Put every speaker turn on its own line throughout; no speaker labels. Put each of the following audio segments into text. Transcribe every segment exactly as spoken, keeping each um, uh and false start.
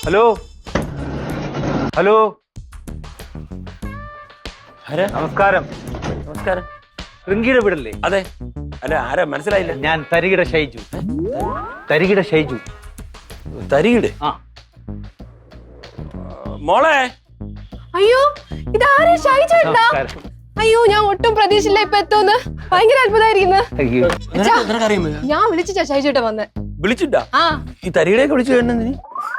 Hello hello
ആരാ?
നമസ്കാരം.
നമസ്കാരം.
റിങ്കിയുടെ വീടല്ലേ?
അതെ. അല്ല, ആരാ മനസ്സിലായില്ല?
ഞാൻ തരികിട ഷൈജു. തരികിട ഷൈജു.
തരികിട്?
ആ
മോളെ.
അയ്യോ, ഇതാരാ? ഷൈജുണ്ടാ?
നമസ്കാരം.
അയ്യോ, ഞാൻ ഒട്ടും പ്രതീക്ഷയില്ല ഇപ്പൊ എത്തുമെന്ന്. ഭയങ്കര അത്ഭുതമായിരിക്കുന്നു.
അയ്യോ.
ഞാൻ വിളിച്ചാ ഷൈജുട്ട വന്ന്.
വിളിച്ചിട്ടാ?
ആ
ഈ തരികിടയൊക്കെ വിളിച്ചു കേട്ടെന്തിന്?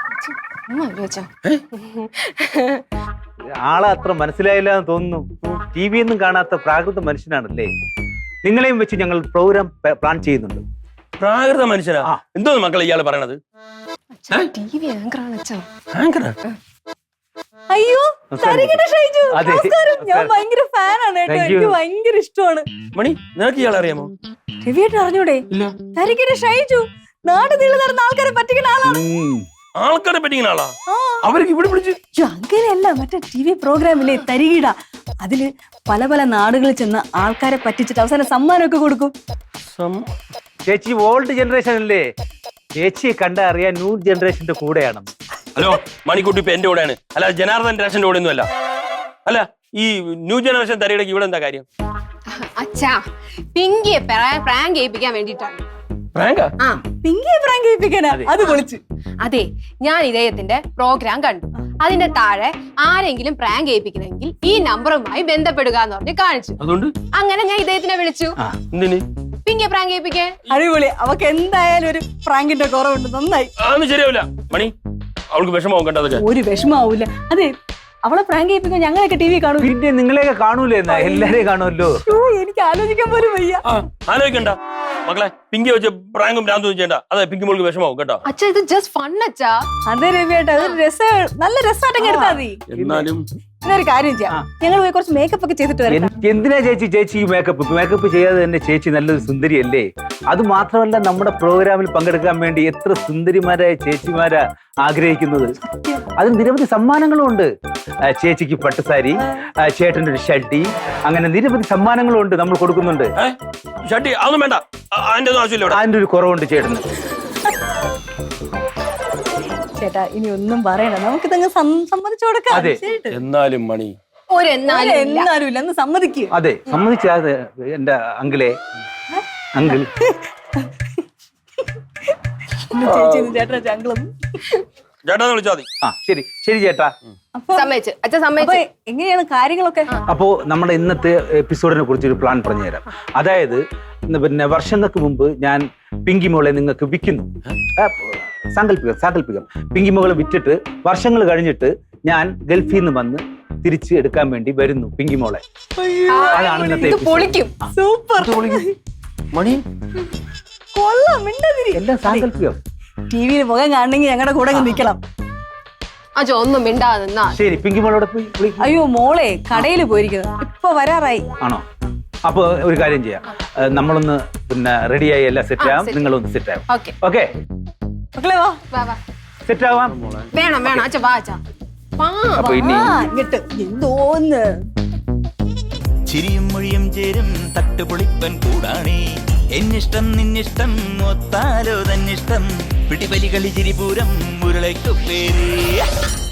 ആളെ അത്ര മനസ്സിലായില്ല എന്ന് തോന്നുന്നു. ടി വി ഒന്നും കാണാത്ത പ്രാകൃത മനുഷ്യനാണല്ലേ. നിങ്ങളെയും വെച്ച് ഞങ്ങൾ പ്രോഗ്രാം പ്ലാൻ ചെയ്യുന്നുണ്ട്.
പ്രാകൃത മനുഷ്യനാ? എന്തോന്ന് മക്കളെ ഇയാള് പറയണത്?
ടിവി ആങ്കറാണ് അച്ഛാ.
ആങ്കറാ?
അയ്യോ, തരികിട ഷൈജു.
അതെ.
നമസ്കാരം. ഞാൻ ഭയങ്കര ഫാനാണ് കേട്ടോ.
Thank you.
എനിക്ക് ഭയങ്കര ഇഷ്ടമാണ്.
മണി, നിനക്ക് ഇയാളെ അറിയാമോ?
രവിയേട്ടൻ അറിഞ്ഞൂടെ?
ഇല്ല.
തരികിട ഷൈജു നാട് നീളെ നടന്ന ആൾക്കാരെ പറ്റിക്കുന്ന ആളാണ്.
ഉം.
ആൾക്കാരെ പറ്റിക്കുന്ന ആളാ?
ആ.
അവർക്ക് ഇവിടെ വിളിച്ച്?
ഛെ, അങ്ങനെയല്ല, മറ്റേ ടി വി പ്രോഗ്രാമില്ലേ തരികിട, അതില് പല പല നാടുകളിൽ ചെന്ന് ആൾക്കാരെ പറ്റിച്ചിട്ട് അവസാനം സമ്മാനമൊക്കെ കൊടുക്കും.
ചേച്ചി ഓൾഡ് ജനറേഷൻ അല്ലേ. ചേച്ചിയെ കണ്ട അറിയാൻ ന്യൂ ജനറേഷന്റെ കൂടെയാണ്.
ഹലോ, മണിക്കുട്ടി ഇപ്പൊ എന്റെ കൂടെയാണ്. അല്ല, ജനാർദ്ദൻ രാഷന്റെ കൂടെ ഒന്നും അല്ല. അല്ല, ഈ ന്യൂ ജനറേഷൻ തരികിടക്ക് ഇവിടെ എന്താ കാര്യം?
അച്ഛാ, പിങ്കിയെ പ്രാങ്ക് ചെയ്യിപ്പിക്കാൻ വേണ്ടിട്ടാണ്.
പ്രാങ്കാ?
ആ
പിങ്കിയെ പ്രാങ്ക് ചെയ്യിപ്പിക്കാനാ? അത് പൊളിച്ച്.
അതെ, ഞാൻ ഇദ്ദേഹത്തിന്റെ പ്രോഗ്രാം കണ്ടു. അതിന്റെ താഴെ ആരെങ്കിലും പ്രാങ്ക് ചെയ്യിപ്പിക്കണമെങ്കിൽ ഈ നമ്പറുമായി ബന്ധപ്പെടുക എന്ന് പറഞ്ഞ് കാണിച്ചു.
അതുകൊണ്ട്
അങ്ങനെ ഞാൻ ഇദ്ദേഹത്തിനെ വിളിച്ചു.
എന്തിന്?
പിങ്കിയെ പ്രാങ്ക് ചെയ്യിപ്പിക്കാൻ.
അടിപൊളി. അവക്ക് എന്തായാലും ഒരു പ്രാങ്കിന്റെ കുറവുണ്ട്. നന്നായി.
അതൊന്നും ശരിയാവില്ല മണി. അവൾക്ക് വിഷമാവും കേട്ടോ അതൊക്കെ.
ഒരു വിഷമാവൂല. അതെ, അവളെ പ്രാങ്ക് ചെയ്യിപ്പിക്കാൻ ഞങ്ങളൊക്കെ ടി വി കാണും.
പിന്നെ നിങ്ങളെയൊക്കെ കാണൂലേ? എന്നാ എല്ലാരെയും കാണുമല്ലോ.
എനിക്ക് ആലോചിക്കാൻ പോലും വയ്യ.
ആ, ആലോചിക്കണ്ട മക്കളെ. പിങ്കി വെച്ച് പ്രാങ്കും ഭ്രാന്തും ചെയ്യണ്ട. അതെ, പിങ്കി മോൾക്ക് വിഷമാവും കേട്ടോ.
അച്ഛാ, ഇത് ജസ്റ്റ് ഫൺ അച്ഛാ.
അതെ രവിയേട്ടാ, അതൊരു രസ നല്ല രസമായിട്ടൊക്കെ എടുത്താൽ മതി.
എന്നാലും
എന്നൊരു കാര്യം ചെയ്യാം, ഞങ്ങൾ പോയി കുറച്ച് മേക്കപ്പ് ഒക്കെ ചെയ്തിട്ട് വരാം.
എൻ- എന്തിനാ ചേച്ചി ചേച്ചി മേക്കപ്പ് മേക്കപ്പ് ചെയ്യാതെ തന്നെ ചേച്ചി നല്ലൊരു സുന്ദരിയല്ലേ. അത് മാത്രമല്ല, നമ്മുടെ പ്രോഗ്രാമിൽ പങ്കെടുക്കാൻ വേണ്ടി എത്ര സുന്ദരിമാരായ ചേച്ചിമാരാ ആഗ്രഹിക്കുന്നത്. അതിന് നിരവധി സമ്മാനങ്ങളും ഉണ്ട്. ആ, ചേച്ചിക്ക് പട്ടുസാരി, ആ, ചേട്ടൻ്റെ ഒരു ഷഡ്ഡി, അങ്ങനെ നിരവധി സമ്മാനങ്ങളും ഉണ്ട് നമ്മൾ കൊടുക്കുന്നുണ്ട്.
ഏഹ് ഷട്ടി അതൊന്നും വേണ്ട. അ- അതിന്റെ ഒന്നും ആവശ്യമില്ല ഇവിടെ.
അതിന്റെ ഒരു കുറവുണ്ട് ചേട്ടന്.
ചേട്ടാ, ഇനി ഒന്നും പറയണ്ട, നമുക്ക് ഇതങ്ങ് സമ്മതിച്ചു കൊടുക്കാം.
അതെ.
ശരിട്ട്.
എന്നാലും മണി
ഒരു എന്നാലും ഇല്ല.
എന്നാലും ഇല്ല, ഒന്ന് സമ്മതിക്കും.
അതെ, സമ്മതിച്ചാതെ എന്റെ അങ്കിളെ അങ്കിൾ.
ചേച്ചി ചേട്ടാ ചങ്കളും.
ചേട്ടാന്ന് വിളിച്ചാൽ മതി.
ആ ശരി ശരി ചേട്ടാ.
അപ്പൊ
സമ്മതിച്ചു അച്ഛൻ,
അപ്പൊ
സമ്മതിച്ചു.
എങ്ങനെയാണ് കാര്യങ്ങളൊക്കെ?
അപ്പോൾ നമ്മുടെ ഇന്നത്തെ എപ്പിസോഡിനെ കുറിച്ച് ഒരു പ്ലാൻ പറഞ്ഞുതരാം. അതായത് ഇന്ന് പിന്നെ വർഷങ്ങൾക്ക് മുമ്പ് ഞാൻ പിങ്കി മോളെ നിങ്ങൾക്ക് വിൽക്കുന്നു. ആ, സാങ്കല്പികം സാങ്കല്പികം പിങ്കി മോളെ വിറ്റിട്ട് വർഷങ്ങൾ കഴിഞ്ഞിട്ട് ഞാൻ ഗൾഫിൽ നിന്ന് വന്ന് തിരിച്ച് എടുക്കാൻ വേണ്ടി വരുന്നു പിങ്കി മോളെ. അതാണ് ഇന്നത്തെ
ഇത്
episode.
പൊളിക്കും.
സൂപ്പർ.
മണി
കൊള്ളാം, മിണ്ടതിരി.
എല്ലാം സാങ്കല്പികം.
ടി വിയിൽ മുഖം കാണണമെങ്കിൽ ഞങ്ങളുടെ കൂടെ അങ്ങ് നിൽക്കണം.
അച്ഛൻ ഒന്നും മിണ്ടാതെ നിന്നാ.
ശരി, പിങ്കി മോളോടെ പോയി വിളി.
അയ്യോ മോളെ കടയിൽ പോയിരിക്കുന്നത്, ഇപ്പൊ വരാറായി.
ആണോ? അപ്പൊ ഒരു കാര്യം ചെയ്യാം, ഏഹ്, നമ്മളൊന്ന് പിന്നെ റെഡിയായി എല്ലാം സെറ്റ് ആവാം.
set.
നിങ്ങളൊന്ന് സെറ്റ് ആവും.
ഓക്കെ,
ഓക്കെ,
മക്കളെ വാ.
വാ വാ.
സെറ്റ് ആവാം.
വേണം വേണം അച്ഛൻ, വാ അച്ഛാ. വാ.
അപ്പൊ ഇനി
ആ ഇങ്ങട്ട് എന്തോന്ന്.
ചിരിയും മൊഴിയും ചേരും തട്ടുപൊളിപ്പൻ കൂടാണേ. എന്നിഷ്ടം നിന്നിഷ്ടം ഒത്താലോ തന്നിഷ്ടം പിടിപലി കളി ചിരിപൂരം മുരളയ്ക്കു പേര്.